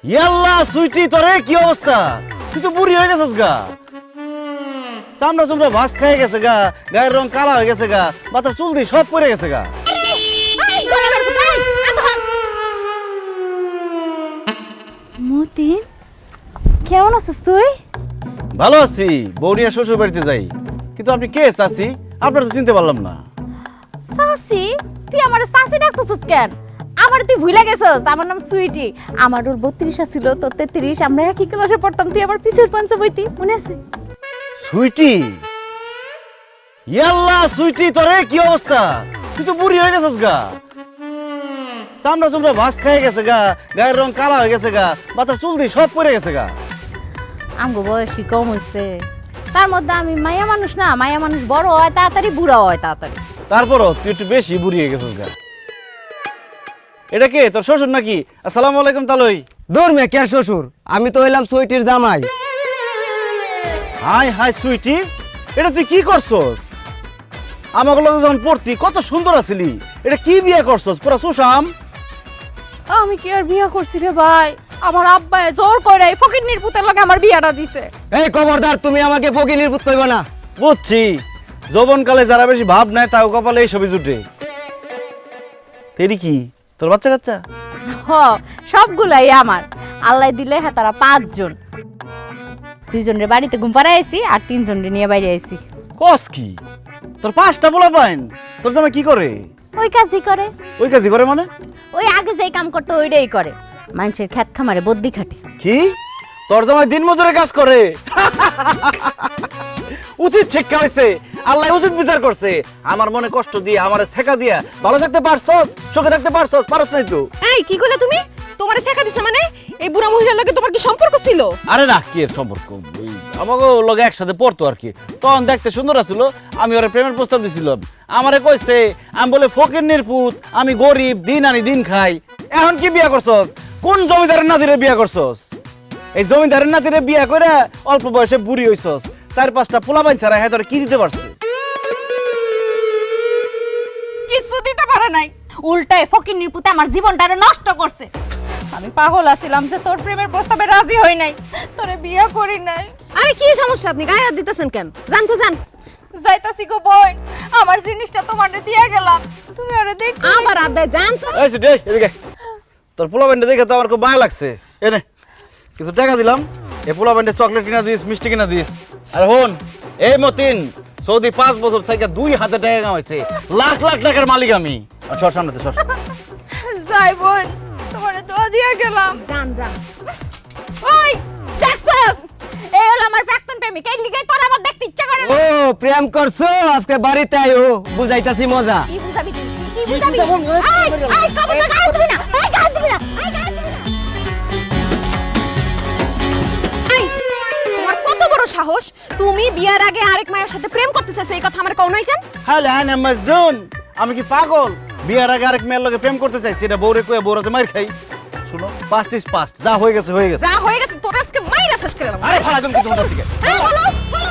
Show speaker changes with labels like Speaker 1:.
Speaker 1: ইয়াল্লা সুইটি তোরে কি অবস্থা? তুই তো বুড়ি হয়ে গেছিস গা। চামড়া চামড়া ভাস খেয়ে গেছে গা, গায়ের রং কালা হয়ে গেছে গা, মাথার চুল দিয়ে সব পড়ে গেছে গা।
Speaker 2: মতিন, কেমন আছিস তুই?
Speaker 1: ভালো আছি, বৌরিয়া শ্বশুর বাড়িতে যাই। কিন্তু আপনি কে চাচি? আপনার তো চিনতে পারলাম না।
Speaker 2: সাসি, তুই আমার সাসি ডাকতেছিস কেন? আমার তুই ভুলে গেছিস, আমার নাম সুইটি। আমার ওর 32 ছিল, তোর 33। আমরা একই ক্লাসে পড়তাম, তুই আমার পিছের পাঞ্চে বইতি, মনে আছে?
Speaker 1: সুইটি, ইয়াল্লা সুইটি তোরে কি অবস্থা? তুই তো বুড়ি হয়ে গেছিস গা। চামড়া চামড়া ভাস খেয়ে গেছে গা, গায়ের রং কালা হয়ে গেছে গা, মাথার চুল দিয়ে সব পড়ে গেছে গা।
Speaker 2: আমগো বয়স কি কম হইছে? তার মধ্যে আমি মায়া মানুষ না, মায়া মানুষ বড় হয় তাড়াতাড়ি, বুড়া হয় তাড়াতাড়ি।
Speaker 1: তারপরও তুই একটু বেশি বুড়ি হয়ে গেছিস গা। এটা কে, তোর শ্বশুর নাকি? আসসালামু আলাইকুম তালই।
Speaker 3: দূর মে কে শ্বশুর, আমি তো হইলাম সুইটির জামাই।
Speaker 1: হাই হাই সুইটি, এটা তুই কি করছস? আমাকে লগে যখন পড়তি কত সুন্দর আছিলি, এটা কি বিয়ে করছস? পুরা সুশাম।
Speaker 2: আমি কি আর বিয়ে করছি রে ভাই? আমার আব্বায়ে জোর করে ফকিন্নির পুতের লগে আমার বিয়াটা দিছে।
Speaker 3: এই খবরদার, তুমি আমাকে ফকিনির পুত কইবা না।
Speaker 1: বুঝছি, যৌবনকালে যারা বেশি ভাব নেয় তাও কপালে এই ছবি জুটে। তেরি কি তোর বাচ্চা কাচ্চা?
Speaker 2: হ, সবগুলাই আমার। আল্লাহ দিলে হ্যাঁ তারা 5 জন। 2 জনের বাড়িতে ঘুম পাড়াইছি আর 3 জনের নিয়ে বাইরে আইছি।
Speaker 1: কস কি? তোর 5টা পোলা পাইন? তোর জামাই কি করে?
Speaker 2: ওই কাজই করে।
Speaker 1: ওই কাজই করে মানে?
Speaker 2: ওই আগে যেই কাম করতে ওইটাই করে। মানুষের খেত খামারে বদ্যি খাটে।
Speaker 1: কি? তোর জামাই দিন মজুরে কাজ করে? উচিত শিক্ষা হয়েছে, আল্লাহ উচিত বিচার করছে। আমার মনে কষ্ট দিয়ে, আমারে শেখা দিয়া ভালো থাকতে পারছস, সুখে থাকতে পারছস, পারছ নাই তো?
Speaker 4: এই কি কইলা তুমি? তোমারে শেখা দিছে মানে? এই বুড়া মহিলার লগে তোমার কি সম্পর্ক ছিল?
Speaker 1: আরে না, কি এর সম্পর্ক? আমাকে লগে একসাথে পড়তো আর কি। তখন দেখতে সুন্দর আছিল, আমি ওরে প্রেমের প্রস্তাব দিছিলাম। আমারে কইছে আমি বলে ফকিন্নির পুত, আমি গরিব, দিন আনি দিন খাই। এখন কি বিয়া করছস? কোন জমিদারের নাতিরে বিয়া করছস? এই জমিদারের নাতিরে বিয়া করে অল্প বয়সে বুড়ি হইছস। 4-5টা পোলাপাইন ছাড়া হ্যাঁ তোরে কি দিতে পারছে?
Speaker 2: কিছু দিতে পারে নাই, উল্টায় ফকিন্নির পুতে আমার জীবনটারে নষ্ট করছে। আমি পাগল আছিলাম যে তোর প্রেমের প্রস্তাবে রাজি হই নাই, তোরে বিয়ে করি নাই।
Speaker 4: আরে কি সমস্যা, আপনি গায়ে হাত দিতেছেন কেন? জান তো জান।
Speaker 2: যাইতাছি গো বোন, আমার জিনিসটা তোমারে দিয়ে গেলাম, তুমি ওরে দেখ।
Speaker 4: আমার আদায় জান তো।
Speaker 1: এই সুটি, এদিকে তোর পোলাপাইনটা দেখে তো আমার খুব মায়া লাগছে। এনে কিছু টাকা দিলাম, এই পোলাপাইনটা চকলেট কিনা দিস, মিষ্টি কিনা দিস। আর হন, এই মতিন সৌদি 5 বছর থেকে 2 হাতে টাকা কামাইছে, লাখ লাখ টাকার মালিক আমি। সর সামনেতে সর।
Speaker 2: যাই বোন, তোমারে দোয়া দিয়ে গেলাম।
Speaker 4: জান জান।
Speaker 2: ওই দেখছস, এই হলো আমার প্রাক্তন প্রেমিক, এই লিগাই তোর আমার দেখতে ইচ্ছা করে
Speaker 3: ও
Speaker 2: না।
Speaker 3: প্রেম করছো, আজকে বাড়িতে আইও, বুঝাইতাছি মজা।
Speaker 2: কি বুঝাবি তুই? কি বুঝাবি? আই কবে তো গায়ে দিবি না, আই গায়ে দিবি না, আই গায়ে দিবি না।
Speaker 4: এই তোমার কত বড় সাহস? তুমি বিয়ার আগে আরেক মায়ের সাথে প্রেম করতেছ, এই কথা আমার কও নাই কেন?
Speaker 1: হ্যালো হ্যাঁ মাজনুন, আমি কি পাগল? বিয়ার আগে আরেক মেয়ের লগে প্রেম করতে চাইছি, এটা বউরে কয়ে বউরাতে মার খাই। শুনো, পাস্ট ইজ পাস্ট, যা হয়ে গেছে হয়ে গেছে।
Speaker 4: যা হয়ে গেছে তোর আজকে মাইরা শেষ করে দিলাম।
Speaker 1: আরে ফালা তুমি কি তোমার থেকে?
Speaker 4: এই বলো